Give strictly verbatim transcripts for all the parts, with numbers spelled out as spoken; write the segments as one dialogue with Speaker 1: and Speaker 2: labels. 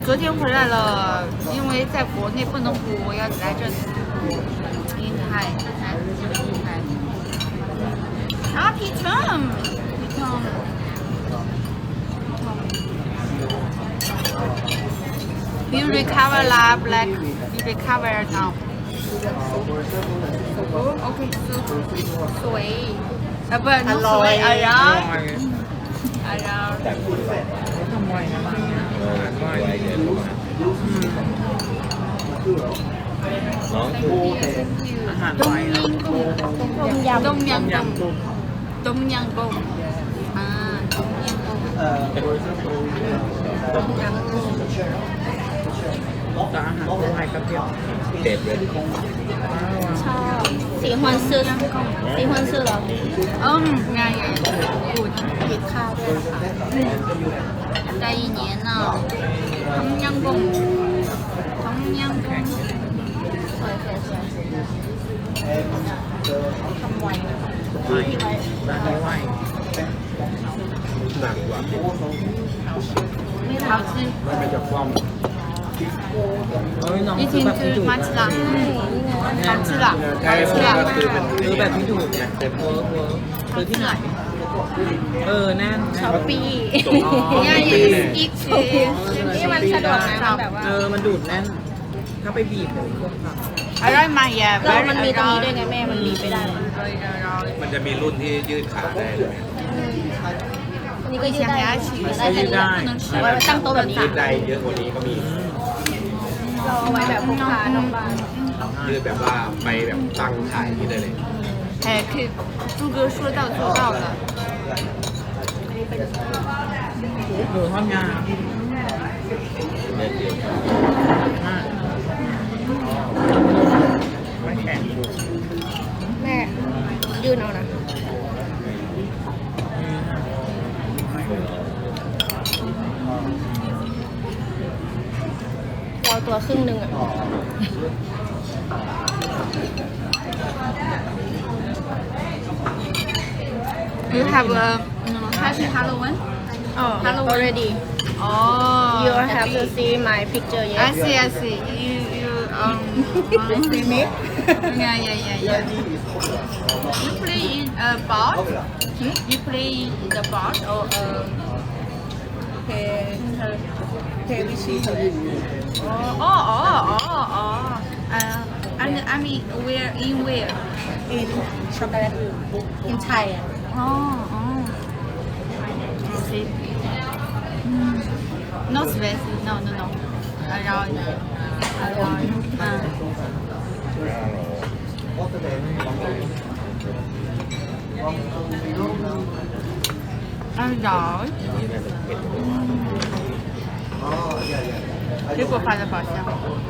Speaker 1: 昨天回来了，因为在国内不能补，我要来这里。银泰，银泰。啊，皮特，皮特。You recover la black. You recover now. Okay, so สวยอ่ะเปิดสวยอะไรอ่ะอะไรอ่ะ
Speaker 2: ทำไวนะบ้านเนี่ยไวเยอะน้องอาหารไวนะ
Speaker 1: ต้มยำต้มยำ
Speaker 2: ยำกุ้ง
Speaker 1: ต้มยำกุ้งอ่าต้มยำกุ้ง
Speaker 2: ต้มยำกุ้งแต่อาหารไทยกระเทียมเด็ดเลย
Speaker 3: ชอบ喜欢吃喜欢吃เหรอ
Speaker 1: 嗯ง่ายง่ายกูด
Speaker 3: กินข้าวด้วยนะคะ
Speaker 1: ได้一年呢ต้มยำกุ้งต้มยำกุ้ง
Speaker 3: สวยสวยสวยทำไวนะ
Speaker 2: ไวร้านนี้ไวหนักกว่า
Speaker 1: 好吃
Speaker 2: มันเป็นจากความเอ้ยน้อง
Speaker 1: 一
Speaker 2: คือ
Speaker 1: 听
Speaker 2: แบบที่
Speaker 1: 就
Speaker 2: ดูด
Speaker 1: 蛮吃啦好吃啦好吃啦
Speaker 2: คือแบบที่ดูดเนี่ยเวิร์กเวิร์กคือที่ไหนเออแน่น
Speaker 3: ช้อปปี้
Speaker 1: 你看也是一起
Speaker 3: นี่มันสะดวกนะมันแบบว่า
Speaker 2: เออมันดูดแน่นถ้าไปบีบเลยเครื่องผัก
Speaker 1: อร่อยมากแย่
Speaker 3: เรามันมีตรงนี้ด้วยไงแม่มันบีบไม่ได้
Speaker 4: มันจะมีรุ่นที่ยืดขาได้เลย
Speaker 3: อันนี้ก็ยืดได้ได้แค่นี้เอาไว้ตั้งโต๊ะแบบนี้
Speaker 4: ยืดได้เยอะกว่านี้ก็มี
Speaker 3: เราเอาไว้แบบพกพานอกบ้าน
Speaker 4: ยืดแบบว่าไปแบบตั้งขายที่ได้เลย
Speaker 1: 哎，可以，朱哥说到做到了。
Speaker 2: หมูทอดงาไม่แข็ง
Speaker 3: แม่ยืนเอานะเราตัวครึ่งหนึ่งอ่ะ
Speaker 1: You have a，嗯，它是 Halloween。
Speaker 3: oh already
Speaker 1: Oh.
Speaker 3: you have to see my picture
Speaker 1: I
Speaker 3: yes
Speaker 1: see, I see. You, you, um.
Speaker 3: see me
Speaker 1: Yeah, yeah, yeah, yeah. You play in a board? You play in the board or um?
Speaker 3: okay okay we see
Speaker 1: Oh, oh, oh, oh, oh. Uh, and I mean, where in where?
Speaker 3: in chocolate in Thai
Speaker 1: Oh, oh. Okay. Mm. No spicy. No, no, no. Around. Around. Uh. Around. 水果发的宝箱。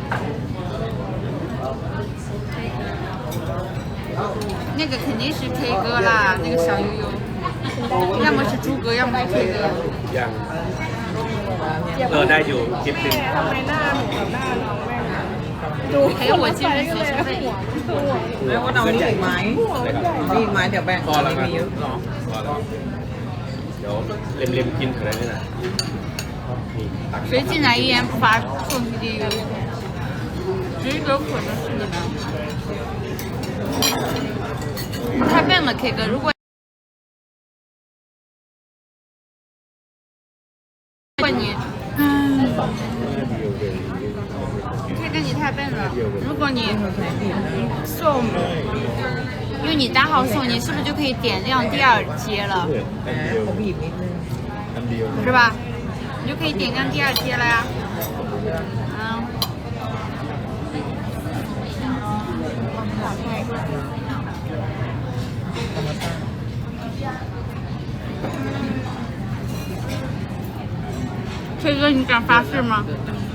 Speaker 1: 那个肯定是 K 歌啦，那个小悠悠，要么是猪哥，要么是 K 歌。
Speaker 4: ยังเออได้อยู่คลิปหนึ่ง
Speaker 3: ทำไมหน้าหนูกับหน้าน้องแม่ดู
Speaker 1: 还有我今日学生费。
Speaker 2: แล้วว่าเรามีอีกไหมมีอีกไหมเดี๋ยวแบ่ง
Speaker 4: พอแล้วครับ
Speaker 2: มีเยอะหรอ
Speaker 4: พอแล้วเดี๋ยวเล็มๆกินอะไรนี่นะนี่ตัก
Speaker 1: 谁进来一言不发送去地狱？只有可能是你们。太笨了，K 哥，如果如果你，嗯，K 哥你太笨了，如果你送，因为你单号送，你是不是就可以点亮第二阶了？
Speaker 2: แหมเขาบีบนิดนึง
Speaker 4: อันเดียว
Speaker 1: 是吧？你就可以点亮第二阶了呀。嗯。K 哥，你敢发誓吗？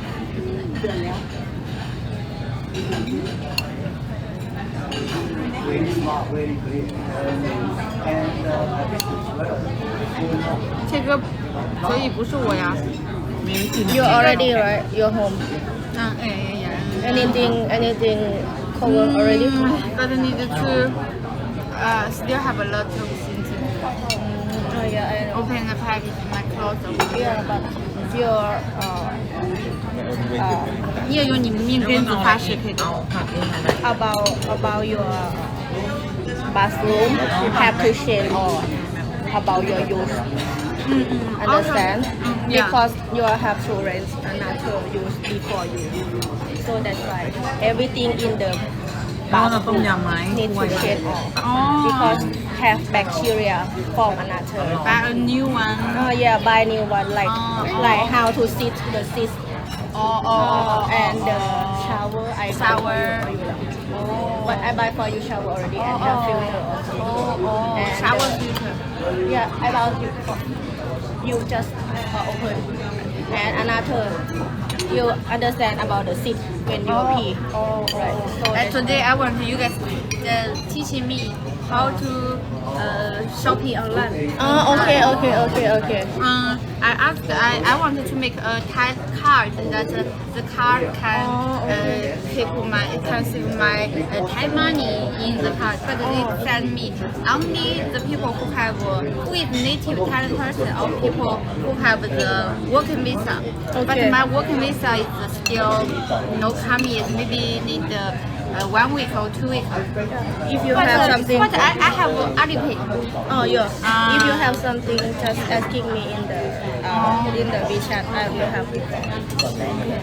Speaker 1: K 哥，所以不是我呀。
Speaker 3: you already right your home
Speaker 1: 嗯，哎哎呀。
Speaker 3: anything anything cover already
Speaker 1: But I need to uh, still have a lot of things.
Speaker 3: oh yeah I know
Speaker 1: Open the package and I close the
Speaker 3: yeah but your uh, uh,
Speaker 1: 你也用你们命根子发誓可以的。
Speaker 2: เอาผักนี่มาได้
Speaker 3: about about your bathroom have to change or about your use
Speaker 1: 嗯嗯
Speaker 3: understand
Speaker 1: Yeah.
Speaker 3: because you have to rent another use before you so that's why everything in the
Speaker 2: แล้วเราต้มยำไหม
Speaker 3: need
Speaker 2: ถ้วย
Speaker 3: to change off
Speaker 1: อ๋อ
Speaker 3: because have bacteria from another
Speaker 1: buy a new one
Speaker 3: oh yeah buy new one like
Speaker 1: Oh.
Speaker 3: like how to sit the sit
Speaker 1: อ๋ออ๋อ
Speaker 3: uh, and the shower I buy for
Speaker 1: Shower.
Speaker 3: you, for you but I buy for you shower already and have filter also
Speaker 1: อ๋ออ๋อ
Speaker 3: And,
Speaker 1: shower
Speaker 3: uh,
Speaker 1: filter
Speaker 3: yeah about you you just uh, open and another you understand about the sit when you
Speaker 1: Oh.
Speaker 3: pee right so
Speaker 1: And
Speaker 3: that's
Speaker 1: today I want you guys uh, teaching me how to uh, shopping online.
Speaker 3: oh okay okay okay okay
Speaker 1: Um, I asked, I, I wanted to make a Thai card that uh, the card can
Speaker 3: Oh, okay.
Speaker 1: uh, keep my can save my uh, Thai money in the card, but they
Speaker 3: Oh.
Speaker 1: send me only the people who have uh, who is native Thai person or people who have the working visa. But
Speaker 3: Okay.
Speaker 1: my working visa is still no come yet. Maybe need uh, uh, one week or two weeks.
Speaker 3: if you
Speaker 1: But,
Speaker 3: have
Speaker 1: uh,
Speaker 3: something
Speaker 1: but I, I have uh, Alipay.
Speaker 3: oh yeah
Speaker 1: Ah.
Speaker 3: if you have something just asking me in the uh, in the WeChat I will help you okay.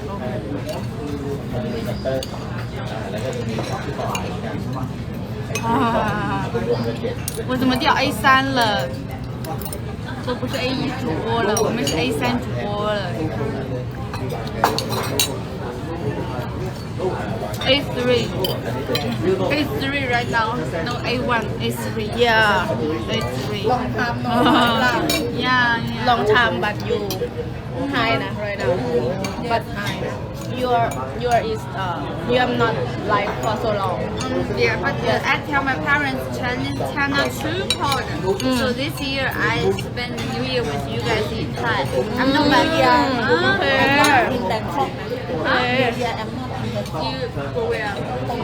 Speaker 1: 啊！我怎么掉 A 三了？都不是 A 一主播了，我们是 A 三主播了。A three, A three right now. No A one, A three.
Speaker 3: yeah
Speaker 1: A three.
Speaker 3: long time no long
Speaker 1: Yeah, yeah.
Speaker 3: long time but you high na right now but your your is uh you have not live for so long
Speaker 1: Um, yeah, but uh, I tell my parents Chinese China too cold. So this year I spend the New Year with you guys in Thai. I'm not back here.
Speaker 3: okay
Speaker 1: in Bangkok.
Speaker 3: okay
Speaker 1: You go where?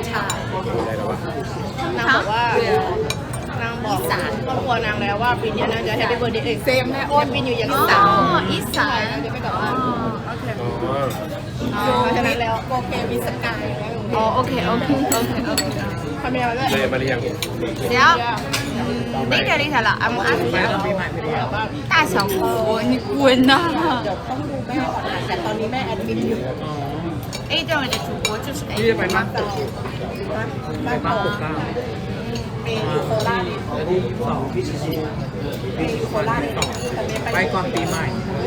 Speaker 3: นางบอกว่านางบอกครอบครัวนางแล้วว่าปีนี้นางจะแฮปปี้เบิร์ดเดย์เอ้ยเซมนะโอ้ยปีนิวอย่างที่สาม
Speaker 1: อ๋ออีสาน
Speaker 3: จะไม่กลับบ้าน
Speaker 1: อ๋อโอเค
Speaker 4: อ๋อ
Speaker 3: เพราะฉะนั้นแล้วโอเคมีสกาย
Speaker 1: อ๋อโอเคโอเคโอเคโอเค
Speaker 3: ทำยังไงด้วย
Speaker 4: เลยมาหรือยัง
Speaker 1: 行，later later 了，I'm
Speaker 2: แม่
Speaker 1: asking
Speaker 2: ต้องปีใหม่ไปแล้ว
Speaker 1: 大小福，你滚呐
Speaker 3: ต้องดูแม่ก่อนนะแต่ตอนนี้แม่แอดมินอยู่
Speaker 1: ！A 段位的主播就是 A
Speaker 2: พี่จะไปบ้านตึกไปบ้านตึกเก้า
Speaker 3: เออยู่โคราช
Speaker 2: แล้วที่สอง
Speaker 3: เออยู่โคราชนี่แต่ไม่ไป
Speaker 2: ไปก่อนปีใหม่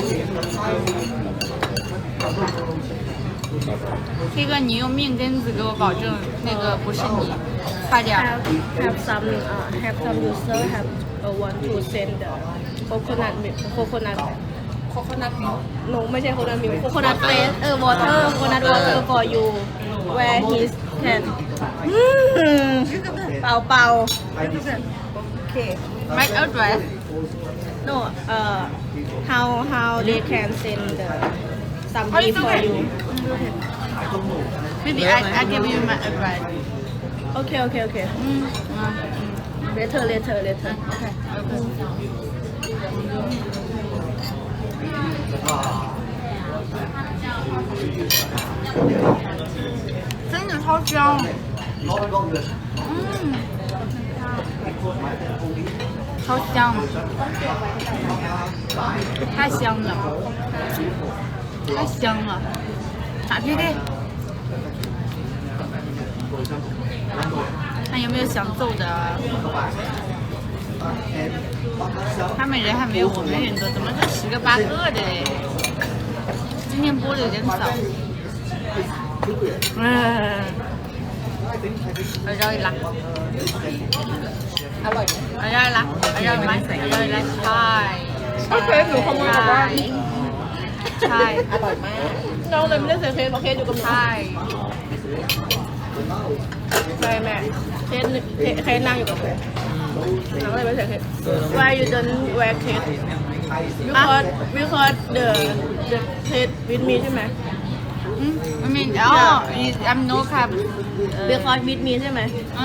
Speaker 1: 这个你用命根子给我保证，那个不是你，快点儿。
Speaker 3: have have some uh, have some user have uh, want to send the coconut milk coconut coconut milk no ไม่ใช่ coconut milk coconut face เออ water coconut water for you where he can อืมเป่าเป่าโอเค
Speaker 1: My address.
Speaker 3: no uh how how they can send the
Speaker 1: Oh,
Speaker 3: something
Speaker 1: it's
Speaker 3: for
Speaker 1: okay.
Speaker 3: you
Speaker 1: Maybe I I give you my address.
Speaker 3: okay okay okay
Speaker 1: 嗯嗯
Speaker 3: later later later
Speaker 1: OK OK。真的超香。嗯。超香，太香了，太香了，打屁屁。看有没有想揍的啊？他们人还没有我们人多，怎么就十个八个的嘞？今天播的有点早。嗯，我绕一拉。
Speaker 3: อร่อย
Speaker 1: อร่อยละอร่อยไหมอร่อยละใช่
Speaker 3: โอเคหนูขโมยกลับบ้าน
Speaker 1: ใช่
Speaker 3: อร่อยมากน้องเลยไม่ได้เสียเคสเพราะเคสอยู่กับหนู
Speaker 1: ใช่
Speaker 3: ใช่แม่เคสเคสเคสนั่งอยู่กับหนูน้องเลยไม่เสียเคส Why you don't wear case because because the the case with me ใช่ไหม
Speaker 1: อืมไม่มีอ๋อ I'm no ครับ
Speaker 3: because with me ใช่ไหม
Speaker 1: อ่า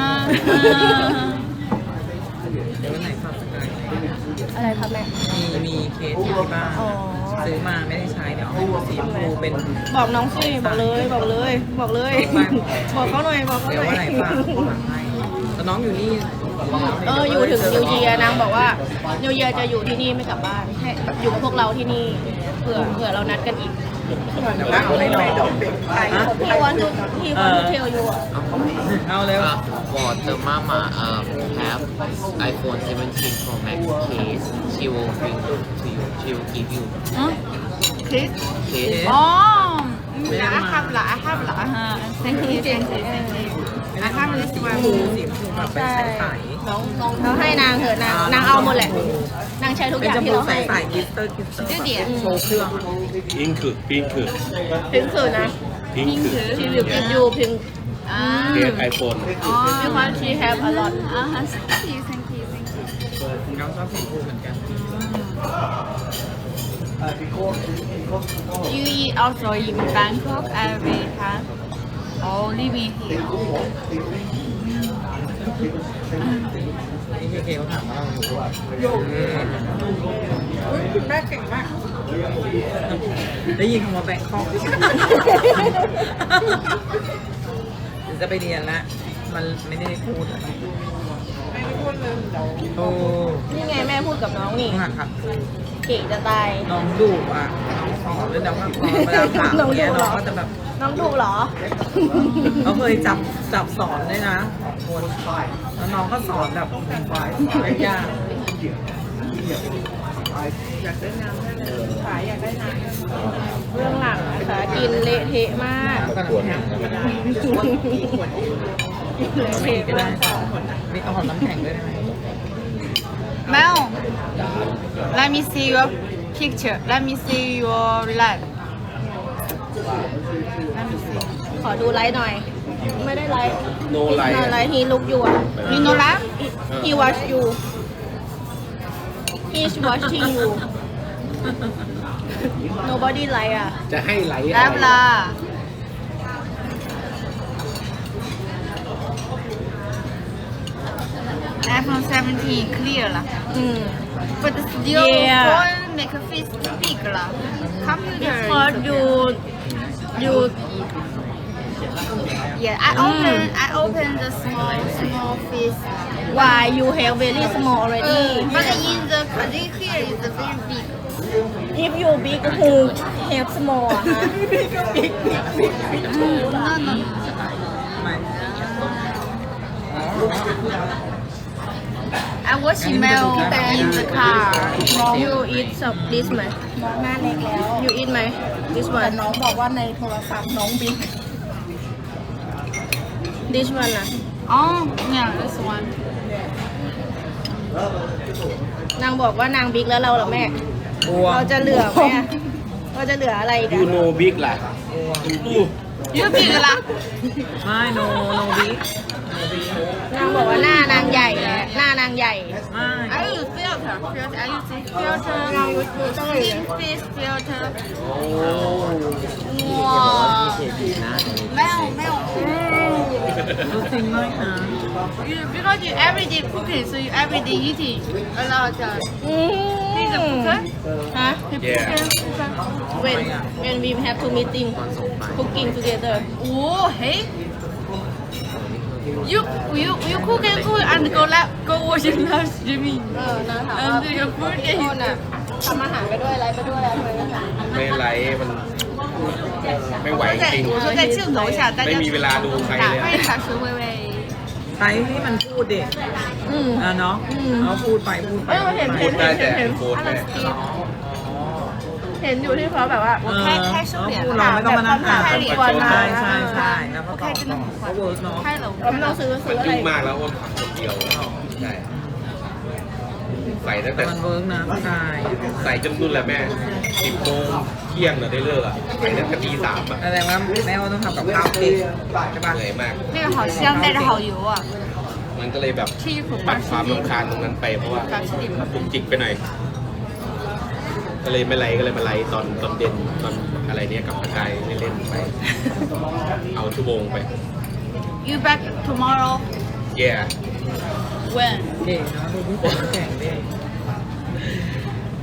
Speaker 2: เดี๋ยววันไหนฝากสกาย
Speaker 3: อะไรครับแม่
Speaker 2: มีมีเคสที่บ้าน
Speaker 3: อ๋อ
Speaker 2: เซซื้อมาไม่ได้ใช้เดี๋ยวเอาให้ดูสีชมพูเป็น
Speaker 3: บอกน้องสิบอกเลยบอกเลยบอกเลย บอกเขาหน่อยบอกเขา
Speaker 2: เดี๋
Speaker 3: ห
Speaker 2: ยว
Speaker 3: น่อย
Speaker 2: วันไหนฝากฝากให้แล้วน้องอยู่นี่
Speaker 3: เอออยู่ถึงนิวเยียนางบอกว่านิวเยียจะอยู่ที่นี่ไม่กลับบ้านให้อยู่กับพวกเราที่นี่เผื่อเผื่อเรานัดกันอีก
Speaker 2: เดี๋ยวเอาให้น้องฮะ
Speaker 3: พี่วันทุพี่วันทุเทลอยู่อ่ะ
Speaker 2: เอาเร็ว
Speaker 5: Uh, for the mama um, have iPhone seventeen Pro Max case, she will bring to you. She will give you
Speaker 1: 嗯，kiss。
Speaker 5: case.
Speaker 1: 哦，I have 啦，I have 啦，哈，thank you，thank you，thank you。I have this
Speaker 2: สีช
Speaker 1: one
Speaker 2: มพูสีชมพูแบบเป็นใส
Speaker 3: น้องน้องเขาให้นางเถอะนางนางเอาหมดแหละนางใช้ทุก
Speaker 2: ๆ
Speaker 3: อ
Speaker 2: เป็น
Speaker 3: ย่าง
Speaker 2: ชม
Speaker 3: ที่
Speaker 2: พู
Speaker 3: เรา
Speaker 2: ใส
Speaker 3: ให้
Speaker 2: ๆกิสเตอร์กิสเตอร์
Speaker 1: 这点
Speaker 2: โชว์เครื่องอะ
Speaker 4: พิงคือพิงคือ
Speaker 3: พิงค์คือนะ
Speaker 4: พิงคือ
Speaker 3: she will give you pink
Speaker 1: 啊
Speaker 4: เคสไอโฟน
Speaker 3: because she have a lot
Speaker 1: 啊，thank you，thank you，thank you。
Speaker 2: น้องชอบสีชมพูเหมือนกัน
Speaker 1: You eat also in Bangkok every time or living here?
Speaker 2: นี่เคเคเขาถามว่าเราอยู่คุณแม่เก่งมาก ได้ยินคำว่าแบงคอกจะไปเรียนละมันไม่ได้พูดไม่ได้พูดเลยโอ้
Speaker 3: นี่ไงแม่พูดกับน้องนี่
Speaker 2: ต้องหัดขัด
Speaker 3: เก่งจะตาย
Speaker 2: น้องดุอ่ะน้องสอนด้วยน้องแบบเวลาถาม
Speaker 3: น้องดุ
Speaker 2: เนี่ย
Speaker 3: เหร
Speaker 2: น้
Speaker 3: อ
Speaker 2: องก็จะแบบ
Speaker 3: น้องดุเหรอ
Speaker 2: เขาเคยจับจับสอนด้วยนะสองคนแล้วน้องก็สอนแบบยาก
Speaker 3: เรื่องหลังนะคะกินเละเทะมาก
Speaker 2: ขนมแข็งธรรมดาขวดมีขวดไม่ก็ได้มีเอาหอมน้ำแข็งด้วยได้ไหม
Speaker 1: Mel, let me see your picture. Let me see your leg. Let me see.
Speaker 3: ขอดูไลฟ์หน่อย ไม่ได้ไลฟ์
Speaker 4: No light
Speaker 3: ไลฟ์ he look you อ่ะ
Speaker 1: You know that?
Speaker 3: he watch you he's watching you nobody like อ่ะ
Speaker 4: จะให้ไหล
Speaker 1: Love lah. iPhone seventeen clear lah.
Speaker 3: อืม
Speaker 1: But still
Speaker 3: Yeah.
Speaker 1: phone make a face big lah. Computer.
Speaker 3: because you you
Speaker 1: Yeah, I open I open the small small face.
Speaker 3: why you have very small already
Speaker 1: But in the country here is very big.
Speaker 3: if you big who have small อ่ะฮะ
Speaker 1: Mm, no no.
Speaker 2: ไม่
Speaker 1: I watch email in the car.
Speaker 3: น้อง you eat some this ไหม
Speaker 6: น้องหน้าเล็กแล้ว
Speaker 3: you eat ไหม this
Speaker 6: แต่
Speaker 3: one
Speaker 6: น้องบอกว่าในโทรศัพท์น้องบิ๊ก
Speaker 3: this one อ่ะ
Speaker 1: Oh, yeah, this one.
Speaker 3: นางบอกว่านางบิ๊กแล้วเราเหรอแม่
Speaker 2: กลัว
Speaker 3: เราจะเหลือไหมอะเราจะเหลืออะไรอีก
Speaker 4: ยู
Speaker 3: อะ
Speaker 4: โนบิ๊กล่ะ
Speaker 1: You big lah.
Speaker 2: ไม่โนโนบิ๊ก
Speaker 3: นางบอกว่าหน้านางใหญ่แล้วหน้านางใหญ่
Speaker 2: ไม่
Speaker 1: I use filter. Filter. I use filter. Skin face filter. 哇，没有没有。
Speaker 2: รู้จริงไหมนะ
Speaker 1: You because you everyday cooking, so you everyday eating a lot of.
Speaker 3: อืม
Speaker 1: He's a cooker.
Speaker 3: ฮะ
Speaker 1: He's
Speaker 4: Yeah.
Speaker 1: a cooker.
Speaker 3: when when we have to meeting cooking together
Speaker 1: Oh, hey. You you you cook and cook and go lab go watch it live streaming.
Speaker 3: เออนางถามว่า
Speaker 1: And you put
Speaker 3: โทษ
Speaker 1: it.
Speaker 3: น่ะทำอาหารไปด้วยอะไรไปด้วยอะไรไปด้วยนะ
Speaker 4: ไม่ไหลมันไม่ไหว
Speaker 1: 我
Speaker 4: จริง
Speaker 1: 在我说在镜头下，大家
Speaker 4: ไม่มีเวลาดูใคร
Speaker 1: 打
Speaker 4: เลย
Speaker 1: 开
Speaker 4: อะ
Speaker 1: 一下是微微。
Speaker 2: ใช้ให้มันพูดเด็ก
Speaker 3: อืม
Speaker 2: อ่ะเนาะเขาพูดไปพูดไป
Speaker 3: เออเห็น
Speaker 4: พูดได้แต่โพสแม่
Speaker 3: เห็นอยู่ที่เขาแบบว่า
Speaker 2: เออเขาพูดเราไม่ต้องมานั่งอ่าน
Speaker 3: แบบ
Speaker 2: ใช่ใช่ใช่แล้วก็
Speaker 1: 我
Speaker 2: ตอ
Speaker 1: 开
Speaker 2: บ
Speaker 1: 真的很
Speaker 2: เขา
Speaker 1: 快
Speaker 2: เวิร์กเนาะ
Speaker 1: 开了，我
Speaker 3: เราไม่
Speaker 1: 看
Speaker 3: ต้อง
Speaker 1: 到。
Speaker 3: ซื้อซื้
Speaker 4: มั
Speaker 3: อน อะไร
Speaker 4: ยุ่งมากแล้วอ้นทำคนเดียวใช่ใส่ตั้ง
Speaker 2: แต่
Speaker 4: แต่
Speaker 2: มันเวิร์กนะใช่
Speaker 4: ใส่จนนู่นแหละแม่สิบโมงเที่ยงเนี่ยได้เลิกอ่ะใส่ตั้งแต่ตีสามอ่ะ
Speaker 2: แสดงว่าแม่ว่าต้องทำกับข้าวเก่งใช่ปะ
Speaker 4: เหนื่อยมาก
Speaker 1: 那个好香，带着好油啊！
Speaker 4: มันก็เลยแบบ
Speaker 1: 吃一口
Speaker 4: ปัด
Speaker 1: 八
Speaker 4: ความ
Speaker 1: 十
Speaker 4: รำคาญตรงนั้นไปเพราะว่า
Speaker 1: 八十点。
Speaker 4: จุกจิกไปหน่อย ก็เลยไม่ไลฟ์ก็เลยมาไลฟ์ตอนตอนเด่นตอนอะไรเนี้ยกับกายเล่นๆไป เอาชั่วโมงไป
Speaker 1: You back tomorrow?
Speaker 4: yeah
Speaker 1: When?
Speaker 2: เก่งเนาะดูพี่ฝนแข่งดิ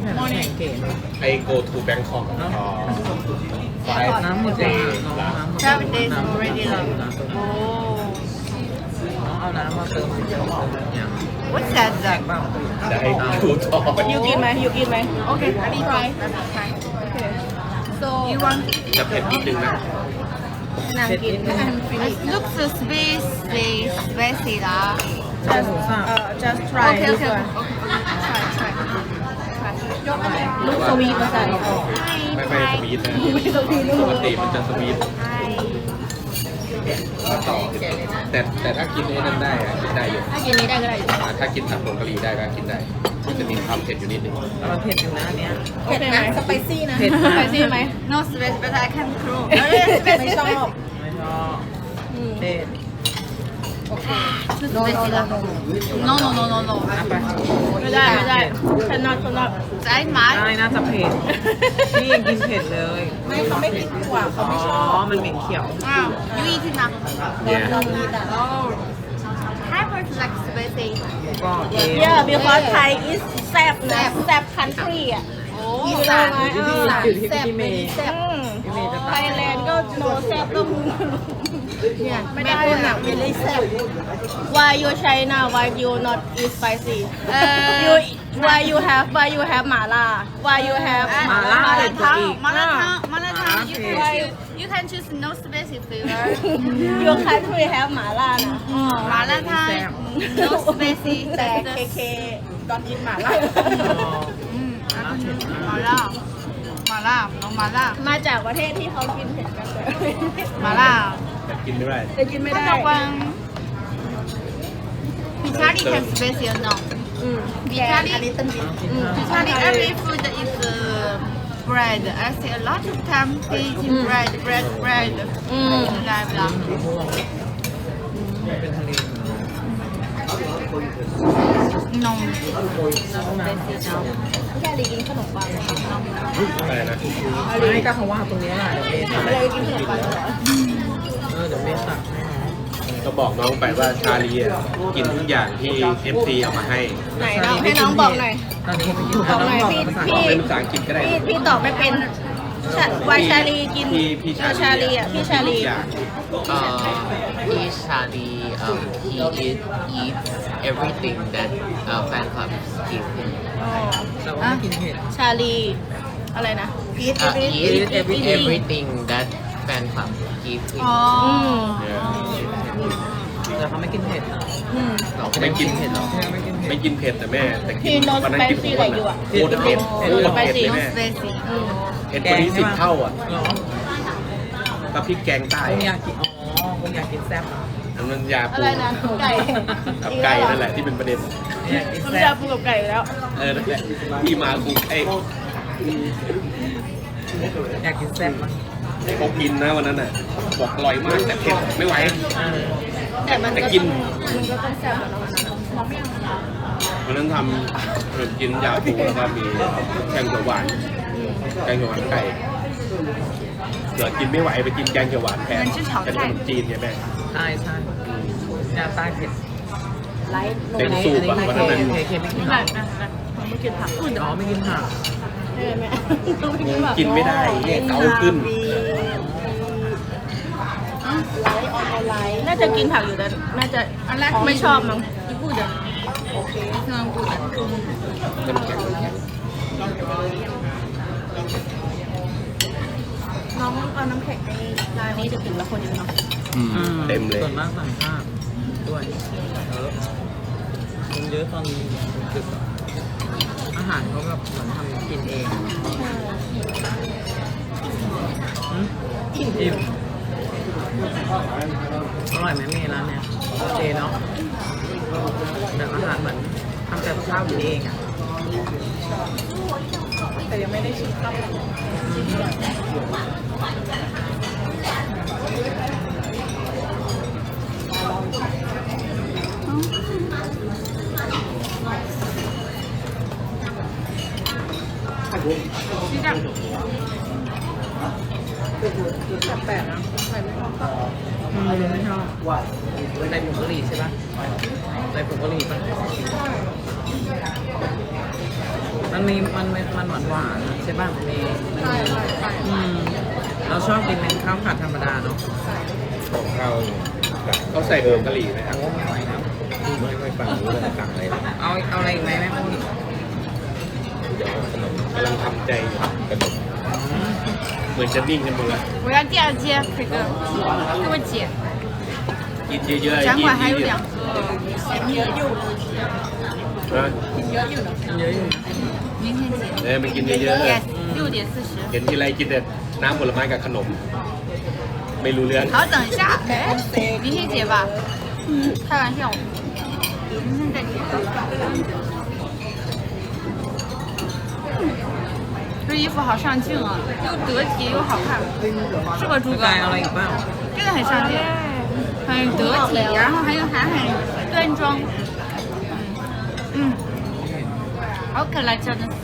Speaker 2: แผ่นน้ำแข็งเก๋เนอะ
Speaker 4: ไอ go to Bangkok อ๋อ five
Speaker 2: น้ำหมดเลย
Speaker 4: day
Speaker 2: น้องน้ำหมด
Speaker 1: Seven days
Speaker 2: น้ำ
Speaker 1: already
Speaker 2: น้
Speaker 1: left
Speaker 2: ำ
Speaker 1: โอ้
Speaker 2: น้องเอาน้ำมาเติมเติมอย่าง
Speaker 1: What's that
Speaker 2: แจก
Speaker 1: then?
Speaker 2: เปล่า
Speaker 4: ได้ดูต่อ
Speaker 3: ยูกินไหมยูกินไหม
Speaker 1: Okay, let me try. Let me try.
Speaker 3: so
Speaker 1: You want?
Speaker 4: จะเผ็ดนิดนึงนะ
Speaker 3: นางกิน
Speaker 1: It looks so spicy, spicy lah.
Speaker 2: ใช่หมูสับ
Speaker 3: เอ่อ just try
Speaker 1: Okay,
Speaker 3: this
Speaker 1: okay,
Speaker 3: one
Speaker 1: okay. Try, try.
Speaker 3: ลูกสวีทภาษา
Speaker 4: ไม่ไม่สวีทนะ
Speaker 3: ไม่สวีทลู
Speaker 4: ป
Speaker 3: ก
Speaker 4: กติมันจะสวีท
Speaker 1: Hi.
Speaker 4: มาต่อแต่แต่ถ้ากินไอ้นั่นได้อะกินได้อยู่
Speaker 3: ถ้ากินนี้ได้ก็ได้อยู่
Speaker 4: อ่าถ้ากินผัดผงกะหรี่ได้ก็กินได้ มันจะมีความเผ็ดอยู่นิดนึง
Speaker 2: แต่มันเผ็ดอยู่นะอันเนี้ย
Speaker 3: โอเคไหม
Speaker 6: สไปซี่นะ
Speaker 2: เผ็ด
Speaker 3: ส
Speaker 2: มาก
Speaker 3: ไปซี่ไหม
Speaker 1: No spicy, but I can prove.
Speaker 6: ไม่ชอบ
Speaker 2: ไม่ชอบเผ็ด
Speaker 1: Too spicy lah. No, no, no, no, no.
Speaker 2: เอาไป
Speaker 3: ไม่ได้ไม่ได้ฉันนอตฉันนอต
Speaker 1: Try
Speaker 2: ได้
Speaker 1: my.
Speaker 2: น่าจะเผ็ดนี่ยังกินเผ็ดเลย
Speaker 6: ไม่เขาไม่กินถั่วเขา
Speaker 2: อ๋
Speaker 6: ไม่ชอบ
Speaker 2: อมันเหม็นเขียว
Speaker 1: Ah, you eat it now.
Speaker 4: เนี่ย
Speaker 6: เรามีแต่
Speaker 1: Oh. Thai person like spicy.
Speaker 2: ก็เอง
Speaker 3: yeah because Thai is แซ่บนะแซ่บ country อ่ะ
Speaker 1: Oh,
Speaker 3: อยู่เลยไหม
Speaker 2: อยู่ที่อยู่ที่พี่เมย์
Speaker 3: อืม
Speaker 2: พี่เมย์จะ
Speaker 3: ไท
Speaker 2: ตัด
Speaker 3: ยแลนด์ก็โนแซ่บก็มึงเนี่ยไม่ได้หนักไม่ได้แซ่บ why you China why you not eat spicy
Speaker 1: Uh,
Speaker 3: you why you have why you have หม่าล่า why you have
Speaker 1: อ่ะ
Speaker 2: หม่าล่าเผ็ดกว่าอีก
Speaker 1: มาลาทางมาลาทาง you
Speaker 2: เผ็
Speaker 1: can
Speaker 2: ด
Speaker 1: choose you can choose no spicy flavor
Speaker 3: your country have หม่าล่านะ
Speaker 1: มาลาทาง no spicy
Speaker 3: แต่เคเค
Speaker 6: ตอนกินหมาล่า
Speaker 1: อืมมาล่ามาล่าน้องมาล่า
Speaker 3: มาจากประเทศที่เขากินเผ็ดกันเลย
Speaker 1: มาล่า
Speaker 4: แต่กินไม่ได้
Speaker 3: แต่กินไม่
Speaker 1: ถ้า
Speaker 3: ได้
Speaker 1: บอกว่าพิชาลี can spicy or no
Speaker 3: อืม
Speaker 1: พิชาลี
Speaker 3: อืม
Speaker 1: พิชาลี every food is uh, bread I see a lot of time they eating bread bread bread
Speaker 3: อืม
Speaker 1: ได้เวลา
Speaker 2: เป็นทะเล
Speaker 1: นม
Speaker 3: แค่ลีกินขนมปัง
Speaker 4: อะไรนะ
Speaker 2: ไม่ก็เขาว่าตรงนี้แหละเดี๋ยวเมย์ตัก
Speaker 3: ไม่ได้กินขนมปังเหรอ
Speaker 2: เออเดี๋ยวเมย์ตักให้น้อง
Speaker 4: ก็บอกน้องไปว่าชาลีอะกินทุกอย่างที่ เอฟ ซี เอามาให้
Speaker 3: ไหนน้องให้น้องบอกหน่อย
Speaker 2: ตอนนี้ไปกิน
Speaker 3: บอกหน่อย
Speaker 2: น้ง
Speaker 3: พี่
Speaker 2: ภาษา
Speaker 3: พี่
Speaker 4: เป็นภาษาอังกฤษก็ได้
Speaker 3: พี่พี่ตอบไม่เป็นชา วายชาลีกิน
Speaker 4: พี่พี่
Speaker 3: เออชาลีอ่ะพี่ชาลี
Speaker 4: ทุกอย่าง
Speaker 5: Uh, he Charlie, um, he eat, eats everything that uh, fan clubs give him.
Speaker 3: อ๋อ
Speaker 2: แต่ว่าไม่กินเผ็ด
Speaker 3: ชาลีอะไรนะ eat
Speaker 5: Uh, he
Speaker 3: everything
Speaker 5: eats
Speaker 2: everything.
Speaker 5: everything that fan club give him.
Speaker 1: อ๋อ
Speaker 2: แต่เขาไม่กินเผ็ดนะ
Speaker 3: อืม
Speaker 4: ไม่กิน
Speaker 2: เผ็ดหรอไม่กินเผ็ด
Speaker 4: ไม่กินเผ็ดแต่แม่ แต่กิ
Speaker 3: พี่
Speaker 4: น
Speaker 3: no
Speaker 4: วันนั้นกิน
Speaker 3: spicy
Speaker 4: ทุกวัน
Speaker 3: อะไรอยู่อะ
Speaker 4: โคตรเผ็ด
Speaker 2: เผ็ด
Speaker 4: โคตรเผ็ดเลย
Speaker 1: no
Speaker 4: แม่
Speaker 1: spicy
Speaker 3: อืม
Speaker 4: เผ็ดกว่านี้สิบเท่าอ่ะ
Speaker 2: เหรอ
Speaker 4: กับพริกแกงใต้
Speaker 2: คงอยากกินอ๋อคงอยากกินแซ่บอ่ะ
Speaker 4: อันนั้นยา
Speaker 3: อะ
Speaker 4: ปู
Speaker 3: ไรนะไก่
Speaker 4: กับไก่นั่นแหละที่เป็นประเด็น
Speaker 2: อยากกิน
Speaker 3: มัน
Speaker 2: แซ่
Speaker 3: จะ
Speaker 2: บ
Speaker 3: ปูกับไก่อยู่แล้ว
Speaker 4: เออนั่นแหละที่มากูไอ้
Speaker 2: อยากกินแซ่บอ่ะ
Speaker 4: เขากินนะวันนั้นน่ะบอกอร่อยมากแต่เผ็ดไม่ไหว
Speaker 2: เออ
Speaker 3: แต่มัน
Speaker 4: แต่
Speaker 3: ก็
Speaker 4: กิ
Speaker 3: ต้
Speaker 4: น
Speaker 3: องมันก็ต้องแซ่บอะเนาะ
Speaker 4: วันนั้นทำขนมจีนยาปูแล้วก็มีแกงเขียวหวานแกงเขียวหวานไก่เกิดกินไม่ไหวไปกินแกงเขียวหวานแทนเป็นขนมจีนเนี่ยแม่
Speaker 2: ใช่ใช่ยาใต้เผ็ด
Speaker 3: ไลท์โน
Speaker 4: เต็ม
Speaker 3: ไลท์
Speaker 4: สูบอะวันนั้น
Speaker 2: เคเคไม่กิน
Speaker 3: ไม่
Speaker 2: หรอ
Speaker 3: ไม่ไม่กินผัก
Speaker 2: อ๋อไม่กินผัก
Speaker 3: ได้ไหมต้องไปกินผัก
Speaker 4: กินไม่ได้เนี่ยเกาขึ้น
Speaker 3: ไลท์ออนไลน์น่าจะกินผักอยู่แต่น่าจะไม่ชอบมั้งญี่ปุ่นอะโอเค
Speaker 4: น้ำแข็งน้ำแข็ง
Speaker 3: น้องเอาน้ำแข็งในร้านนี้จะถึงละคนเยอะเนาะ
Speaker 4: เต็มเลย
Speaker 2: ส่วนมากต่างชาติด้วยเออมันเยอะตอนดึกอะอาหารเขาแบบเหมือนทำกินเองอืมอิ่มอร่อยไหมเมย์ร้านเนี้ยโอเคเนาะแบบอาหารเหมือนทำแต่ข้าวกินเองอ่ะ
Speaker 6: แต่ยังไม่ได้ชิมข้าว
Speaker 2: แปลกๆนะใส่ไม่ชอบอืมไม่ชอบใส่ผงกะหรี่ใช่ปะใส่ผงกะหรี่ปะมันมีมันมันมันหวานหวานๆใช่ป่ะมี
Speaker 6: ใช่ใช่ใช่
Speaker 2: อืมเราชอบกินเป็นข้าวผัดธรรมดาเนาะ
Speaker 4: ของเราเขาใส่ผงกะหรี่ไหมครับ
Speaker 2: โอ้ไม่ไหวครับ
Speaker 4: ไม่ค่อยฟังรู้เรื่องสั่งอะไรเลย
Speaker 2: เอาเอาอะไรอีกไหมแม่พูด
Speaker 4: เดี๋ยวขนมกำลังทำใจอยู่ขนมเหมือนจะนิ่งกันหมดแล้ว
Speaker 1: 我要第二间这个，给我姐。
Speaker 4: กินเยอะๆ
Speaker 1: 展
Speaker 4: กิน
Speaker 1: 馆还有
Speaker 4: เย
Speaker 1: 两
Speaker 4: อะ
Speaker 1: 个咸米，
Speaker 4: ๆนะ
Speaker 2: เยอะอยู่นะ
Speaker 1: 明天结。
Speaker 4: เออมันกินเยอะ
Speaker 1: Yes，六点四十
Speaker 4: ๆ เห็นทีไรกินแต่น้ำผลไม้กับขนม ไม่รู้เรื่อง
Speaker 1: 好，等一下，哎，明天结吧。开玩笑，明天再结。这衣服好上镜啊，又得体又好看，是吧，朱
Speaker 2: ก
Speaker 1: 哥？
Speaker 2: ายเอาอะไรอีกบ้าง
Speaker 1: 真的很上镜，很得体，然后还有还很端庄。嗯，好可爱，真的是。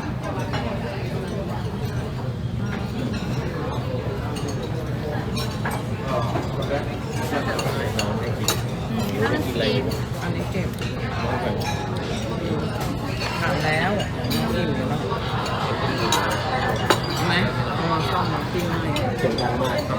Speaker 1: 他们洗。
Speaker 2: อันนี้เก็บทานแล้วอิ่มแล้วใช่ไหมเอามาซ่อมมาปิ้งให้
Speaker 4: เสียงดังมากครับ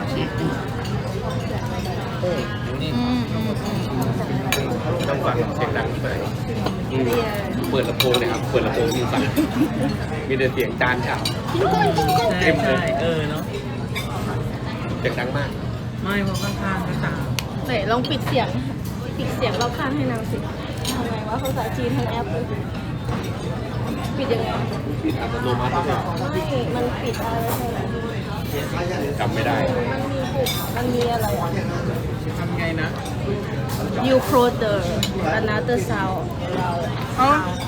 Speaker 2: นี่
Speaker 1: 嗯嗯嗯。
Speaker 4: ต้องฟังเสียงดังที่ไหนอืมเปิดลำโพงเลยครับ เปิดลำโพงมีฟังมีแต่เสียงจานฉาบ
Speaker 2: ใช่ใช่เออเนาะ
Speaker 4: เสียงดังมาก
Speaker 2: ไม่เพราะข้างๆก็ตาม
Speaker 3: ไหนลองปิดเสียง ปิดเสียงรอบข้างให้นางสิทำไงวะภาษาจีนทั้งแอปเลยปิดยังไง
Speaker 4: ปิดอัตโนมัติหรือเปล่า
Speaker 3: ไม่ มันปิดอะไรให้ไหน
Speaker 4: จำไม่ได้
Speaker 3: มันมีปุ่มมันมีอะไรอ่ะ
Speaker 2: ทำไงนะ
Speaker 3: You close the another sound
Speaker 1: 哦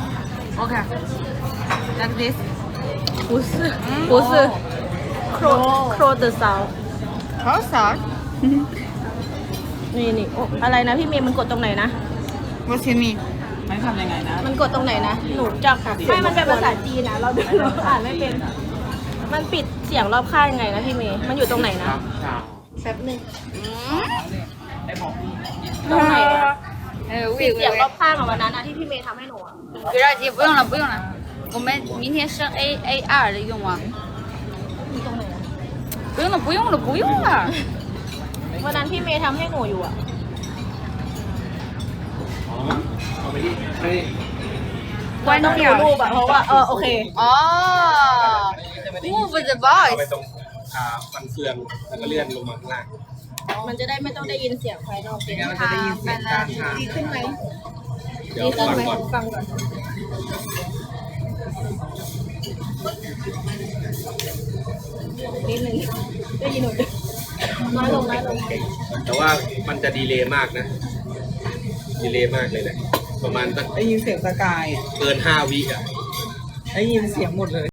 Speaker 1: ，OK。Like this。
Speaker 3: 不是不是 close close the sound
Speaker 1: 好少。
Speaker 3: นี่นี่โอ้อะไรนะพี่เมย์มันกดตรงไหนนะ
Speaker 1: 我请你。
Speaker 2: ไม่ทำยังไงนะ
Speaker 3: มันกดตรงไหนนะ หนูจับไม่มันเป็นภาษาจีนนะ เราเราอ่านไม่เป็น มันปิดเสียงรอบข้างยังไงนะพี่เมย์ มันอยู่ตรงไหนนะ แป๊บนึง
Speaker 2: ได้บอกพี่
Speaker 3: ตรงไหนอะ
Speaker 1: 呃，
Speaker 3: ปิ
Speaker 1: 喂
Speaker 3: ด
Speaker 1: 喂
Speaker 3: เสียงรอบ
Speaker 1: 喂。
Speaker 3: ข้างอะวันนั้นอะที่พี่เมย์ทำให้หนูอะ
Speaker 1: 不着急，不用了，不用了。我们明天升 A A 二的用啊。
Speaker 3: อยู่ตรงไหนอะ
Speaker 1: 不用了，不用了，不用了。
Speaker 3: วันนั้นพี่เมย์ทำให้หนูอยู่อะ
Speaker 4: อ๋อ เอาไปที่ให้
Speaker 1: 关
Speaker 3: ต้องดู
Speaker 1: 掉。
Speaker 3: รูปอะเพราะว่าเออโอเค
Speaker 1: 哦。Move the
Speaker 4: เอาไป
Speaker 1: voice。
Speaker 4: ตรงอ่าฟันเฟือง แล้วก็เลื่อนลงมาข้างล่าง
Speaker 3: มันจะได้ไม่ต้องได้ยินเสียงภายนอก
Speaker 2: ไม่งั้นเราจะได้ยินเสียงการทาน
Speaker 3: ดีขึ้นไหม
Speaker 4: เดี๋ยว
Speaker 3: ดีขึ้น
Speaker 4: ฟัง
Speaker 3: ไหม
Speaker 4: ก่อน
Speaker 3: ฟังก่อนนิดนึงได้ยินหนูน้อยลงน้อยลง
Speaker 4: แต่ว่ามันจะดีเลย์มากนะ ดีเลย์มากเลยแหละ ประมาณสัก
Speaker 2: ได้ยินเสียงสกาย
Speaker 4: เกินห้าวิอ่ะ
Speaker 2: ได้ยินเสียงหมดเลย